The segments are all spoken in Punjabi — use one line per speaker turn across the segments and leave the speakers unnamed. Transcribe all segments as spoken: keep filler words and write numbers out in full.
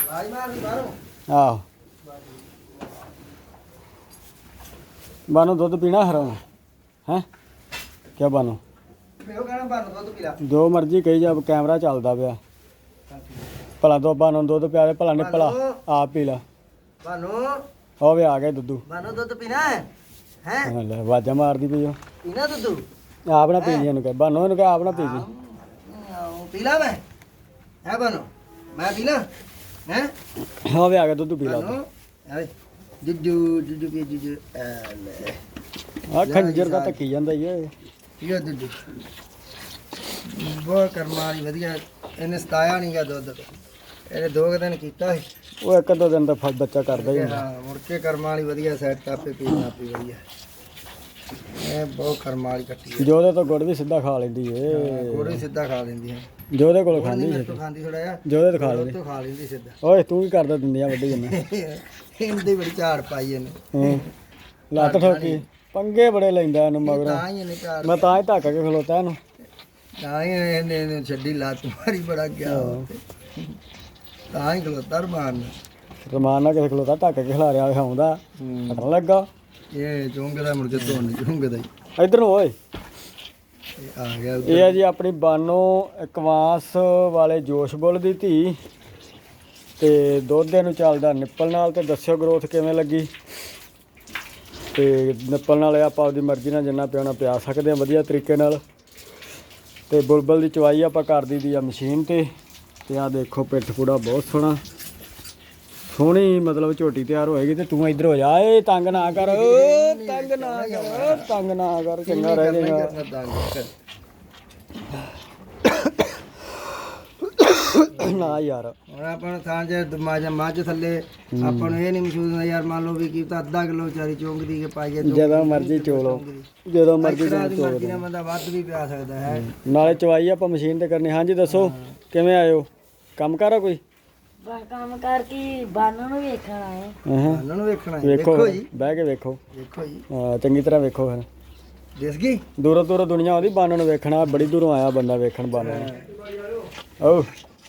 ਆਹੋ ਬਾਨੋ ਦੁੱਧ ਪੀਣਾ ਹਰਾਮ ਹੈ ਕਿਆ ਬਾਨੋ ਜੋ ਮਰਜ਼ੀ ਕਹੀ ਜਾ ਕੈਮਰਾ ਚੱਲਦਾ ਪਿਆ ਭਲਾ ਦੋ ਬਾਨੋ ਦੁੱਧ ਪਿਆ ਭਲਾ ਨੇ ਭਲਾ ਆਪ ਪੀ ਲਾ ਬਾਨੋ ਹੋ ਵੀ ਆ ਗਿਆ ਦੁੱਧੂ ਬਾਨੋ ਦੁੱਧ ਪੀਣਾ ਹੈ ਹੈ ਲੈ ਆਵਾਜ਼ਾਂ ਮਾਰਦੀ ਪਈ ਉਹ ਪੀਣਾ ਦੁੱਧੂ ਆਪ ਨਾ ਪੀ ਜੀ ਇਹਨੂੰ ਕਹਿ ਬਾਨੋ ਇਹਨੂੰ ਕਹਿ ਆਪ ਨਾ ਪੀ ਜੀ ਪੀ ਲਾ ਮੈਂ ਹੈ ਬਾਨੋ ਮੈਂ ਪੀ ਲਾ ਹੈ ਹੋ ਵੀ ਆ ਗਿਆ ਦੁੱਧੂ ਪੀ ਲਾ ਜੁੱਜੂ ਜੁੱਜੂ ਪੀ ਜੁੱਜੂ ਆ ਖੰਜਰ ਦਾ ਧੱਕੀ ਜਾਂਦਾ ਈ ਏ ਇਹ ਦੁੱਧ ਬਹੁਤ ਕਰਮਾਂ ਵਾਲੀ ਵਧੀਆ ਇਹਨੇ ਸਤਾਇਆ ਨਹੀਂ ਗਾ ਦੁੱਧ ਇਹਨੇ ਦੋ ਕੁ ਦਿਨ ਕੀਤਾ ਸੀ ਉਹ ਇੱਕ ਦੋ ਦਿਨ ਦਾ ਫਲ ਬੱਚਾ ਕਰਦਾ ਹੀ ਹਾਂ ਮੁੜ ਕੇ ਕਰਮਾਂ ਵਾਲੀ ਵਧੀਆ ਸੈੱਟ ਆਪੇ ਪੀਣਾ ਪੀ ਵਧੀਆ ਇਹ ਬਹੁਤ ਕਰਮਾਂ ਵਾਲੀ ਕੱਟੀ ਜੋਦੇ ਤੋਂ ਗੁੜ ਵੀ ਸਿੱਧਾ ਖਾ ਲੈਂਦੀ ਏ ਗੁੜ ਵੀ ਸਿੱਧਾ ਖਾ ਲੈਂਦੀ ਹੈ ਜੋਦੇ ਕੋਲ ਖਾਂਦੀ ਸੀ ਖਾਂਦੀ ਥੋੜਾ ਜਿਹਾ ਜੋਦੇ ਤੋਂ ਖਾ ਲੈਂਦੀ ਤੋਂ ਖਾ ਲੈਂਦੀ ਸਿੱਧਾ ਓਏ ਤੂੰ ਕੀ ਕਰਦਾ ਦਿੰਦੀਆਂ ਵੱਡੀ ਜੰਨਾ ਇਹਦੀ ਬੜੀ ਝਾੜ ਪਾਈ ਇਹਨੇ ਲੱਤ ਠੋਕੀ ਪੰਗੇ ਬੜੇ ਲੈਂਦਾ ਇਹਨੂੰ ਮਗਰੋਂ ਮੈਂ ਤਾਂ ਹੀ ਧੱਕ ਕੇ ਖਲੋਤਾ ਇਹਨੂੰ ਤਾਂ ਹੀ ਇਹਨੇ ਛੱਡੀ ਲੱਤ ਮਾਰੀ ਬੜਾ ਗਿਆ ਤਾਂ ਹੀ ਖਲੋਤਾ ਰਮਾਨ ਰਮਾਨ ਨਾਲ ਕਿਸੇ ਖਲੋਤਾ ਧੱਕ ਕੇ ਖਿਲਾ ਰਿਹਾ ਆਉਂਦਾ ਪਤਾ ਲੱਗਾ ਇਹ ਚੁੰਗਦਾ ਮੁੜ ਕੇ ਧੋਣ ਚੁੰਗਦਾ ਇੱਧਰ ਨੂੰ ਓਏ ਆ ਗਿਆ ਇਹ ਆ ਜੀ ਆਪਣੀ ਬਾਨੋ ਇਕਵਾਸ ਵਾਲੇ ਜੋਸ਼ ਬੁੱਲ ਦੀ ਧੀ ਤੇ ਦੁੱਧ ਨੂੰ ਚੱਲਦਾ ਨਿੱਪਲ ਨਾਲ ਤੇ ਦੱਸਿਓ ਗਰੋਥ ਕਿਵੇਂ ਲੱਗੀ ਤੇ ਨਿੱਪਲ ਨਾਲ ਆਪਾਂ ਆਪਦੀ ਮਰਜ਼ੀ ਨਾਲ ਜਿੰਨਾ ਪਿਆਉਣਾ ਪਿਆ ਸਕਦੇ ਹਾਂ ਵਧੀਆ ਤਰੀਕੇ ਨਾਲ ਤੇ ਬੁਲਬੁਲ ਦੀ ਚਵਾਈ ਆਪਾਂ ਕਰ ਦਈਦੀ ਆ ਮਸ਼ੀਨ ਤੇ ਤੇ ਆ ਦੇਖੋ ਪਿੱਠ ਪੂੜਾ ਬਹੁਤ ਸੋਹਣਾ ਸੋਹਣੀ ਮਤਲਬ ਝੋਟੀ ਤਿਆਰ ਹੋਏਗੀ ਤੇ ਤੂੰ ਇੱਧਰ ਹੋ ਜਾ ਏ ਤੰਗ ਨਾ ਕਰ ਤੰਗ ਨਾ ਕਰ ਤੰਗ ਨਾ ਕਰ ਚੰਗਾ ਰਹਿ ਜਾਏਗਾ ਨਾ ਯਾਰ ਹੁਣ ਆਪਾਂ ਨੂੰ ਥਾਂ ਜੇ ਮੱਝ ਥੱਲੇ ਆਪਾਂ ਨੂੰ ਇਹ ਨਹੀਂ ਮਹਿਸੂਸ ਹੁੰਦਾ ਯਾਰ ਮੰਨ ਲਓ ਵੀ ਕੀ ਤਾਂ ਅੱਧਾ ਕਿਲੋ ਚਾਰੀ ਚੋਂਕਦੀ ਕੇ ਪਾਈਏ ਜਦੋਂ ਮਰਜ਼ੀ ਚੋਲੋ ਜਦੋਂ ਮਰਜ਼ੀ ਚੋਲੋ ਬੰਦਾ ਵੱਧ ਵੀ ਪਿਆ ਸਕਦਾ ਹੈ ਨਾਲੇ ਚਵਾਈ ਆਪਾਂ ਮਸ਼ੀਨ ਤੇ ਕਰਨੀ ਹਾਂਜੀ ਦੱਸੋ ਕਿਵੇਂ ਆਇਓ ਕੰਮ ਕਰ ਕੋਈ
ਕੰਮ ਕਰ ਕੀ ਬਾਨਣ ਨੂੰ ਵੇਖਣਾ ਹੈ
ਬਾਨਣ ਨੂੰ ਵੇਖਣਾ ਹੈ ਵੇਖੋ ਜੀ ਬਹਿ ਕੇ ਵੇਖੋ ਵੇਖੋ ਜੀ ਹਾਂ ਚੰਗੀ ਤਰ੍ਹਾਂ ਵੇਖੋ ਫਿਰ ਦਿਸ ਗਈ ਦੂਰੋਂ ਦੂਰੋਂ ਦੁਨੀਆ ਆਉਂਦੀ ਬਾਨਣ ਨੂੰ ਵੇਖਣਾ ਬੜੀ ਦੂਰੋਂ ਆਇਆ ਬੰਦਾ ਵੇਖਣ ਬਾਨਣ ਓ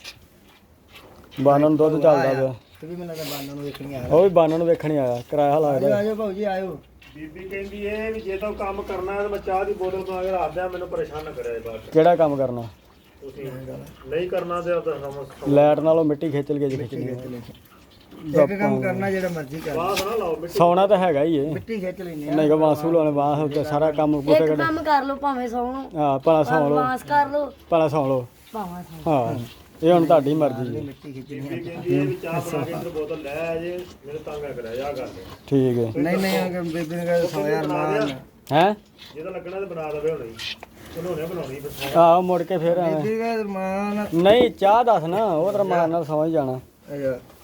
ਬਾਨਣ ਦੁੱਧ ਚੱਲਦਾ ਪਿਆ ਤੇ ਵੀ ਮੈਨੂੰ ਲੱਗਦਾ ਬਾਨਣ ਨੂੰ ਵੇਖਣੀ ਆਇਆ ਉਹ ਵੀ ਬਾਨਣ ਨੂੰ ਵੇਖਣੀ ਆਇਆ ਕਿਰਾਇਆ ਲੱਗਦਾ ਆਜੋ ਭਾਊ ਜੀ ਆਇਓ ਬੀਬੀ ਕਹਿੰਦੀ ਇਹ ਵੀ ਜੇ ਤੂੰ ਕੰਮ ਕਰਨਾ ਤੇ ਮੈਂ ਚਾਹ ਦੀ ਬੋਤਲ ਬਣਾ ਕੇ ਰੱਖ ਦਿਆਂ ਮੈਨੂੰ ਪਰੇਸ਼ਾਨ ਨਾ ਕਰਿਆ ਬਾਅਦ ਕਿਹੜਾ ਕੰਮ ਕਰਨਾ ਤੁਸੀਂ ਨਹੀਂ ਕਰਨਾ ਤੇ ਆਪਦਾ ਲਾਈਟ ਨਾਲੋਂ ਮਿੱਟੀ ਖਿੱਚ ਲਈਏ ਜੇ ਖਿੱਚਣੀ ਇੱਕ ਕੰਮ ਕਰਨਾ ਜਿਹੜਾ ਮਰਜ਼ੀ ਕਰ ਬਾਸ ਨਾ ਲਾਓ ਮਿੱਟੀ ਸੌਣਾ ਤਾਂ ਹੈਗਾ ਹੀ ਏ ਮਿੱਟੀ ਖਿੱਚ ਲੈਣੀ ਨਹੀਂ ਗਾ ਬਾਸੂ ਲਾਉਣੇ ਬਾਸ ਉੱਤੇ ਸਾਰਾ ਕੰਮ
ਇੱਕ ਕੰਮ ਕਰ ਲਓ ਭਾਵੇਂ ਸੌਂ ਲਓ
ਹਾਂ ਭਲਾ ਸੌਂ ਲਓ
ਬਾਸ ਕਰ ਲਓ
ਭਲਾ ਸੌਂ ਲਓ
ਭਾਵੇਂ ਸੌਂ
ਹਾਂ ਇਹ ਹੁਣ ਤੁਹਾਡੀ ਮਰਜ਼ੀ ਹੈ
ਮਿੱਟੀ ਖਿੱਚਣੀ ਹੈ ਵੀ ਚਾਹ ਬਣਾ ਕੇ ਅੰਦਰ ਬੋਤਲ ਲੈ ਆ ਜੇ ਮੇਰੇ ਤੰਗ ਕਰਿਆ ਜਾ ਕਰ
ਠੀਕ ਹੈ
ਨਹੀਂ ਨਹੀਂ ਅਗਰ ਬੇਬੀ ਨੇ ਕਹਿੰਦਾ ਸੌ ਯਾਰ ਮਾਨ
ਹੈ
ਜਿਹਦਾ ਲੱਗਣਾ ਤੇ ਬਣਾ ਦਵੇ ਹੁਣੇ ਬਣਾਉਣੇ ਬਣਾਉਣੀ ਫਿਰ
ਆਹ ਮੁੜ ਕੇ ਫਿਰ
ਬੇਬੀ ਕਹਿੰਦਾ ਮਾਨ
ਨਹੀਂ ਚਾਹ ਦੱਸ ਨਾ ਉਹ ਤਾਂ ਮਾਨ ਨਾਲ ਸਮਝ ਜਾਣਾ
ਅੱਛਾ